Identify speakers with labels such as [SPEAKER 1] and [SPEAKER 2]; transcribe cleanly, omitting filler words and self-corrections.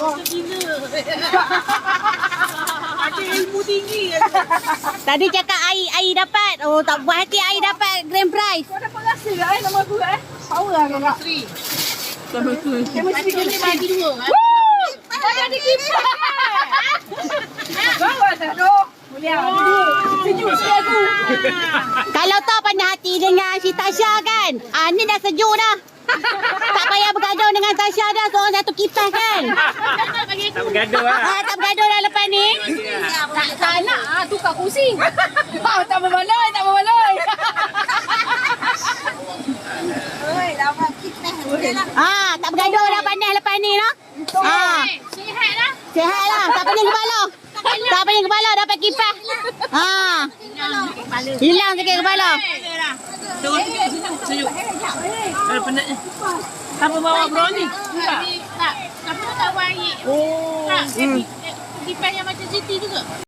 [SPEAKER 1] Ada ilmu tinggi.
[SPEAKER 2] Tadi cakap Ai dapat. Oh, tak buat hati Ai dapat grand prize.
[SPEAKER 1] Kau dapat rasa tak nama aku Power lah kakak. Chemistry
[SPEAKER 3] Ni bagi dua.
[SPEAKER 1] Banyak di kipas. Bawa dah tu. Boleh ada dua. Sejuk sikit aku.
[SPEAKER 2] Kalau tak pandai hati dengan si Tasha kan. Ni dah sejuk dah. Tak payah bergaduh dengan Tasha dah. Seorang satu kipas kan.
[SPEAKER 4] Tak bergaduh lah.
[SPEAKER 2] Tak bergaduh dah lepas ni.
[SPEAKER 1] Tak nak tukar kursi. Tak berbaloi, tak berbaloi. Oi, dapat kipas.
[SPEAKER 2] Tak bergaduh dah pandai lepas ni lah.
[SPEAKER 3] Sihat lah.
[SPEAKER 2] Sihat lah. Tak pening kepala. Tak pening kepala dapat kipas. Hilang sikit kepala.
[SPEAKER 4] Tunggu sejuk. Ada penat ni. Siapa bawa brownie?
[SPEAKER 3] Tak. Apa tak buat air.
[SPEAKER 4] Oh.
[SPEAKER 3] Tak. Kipas yang macam Siti tu ke?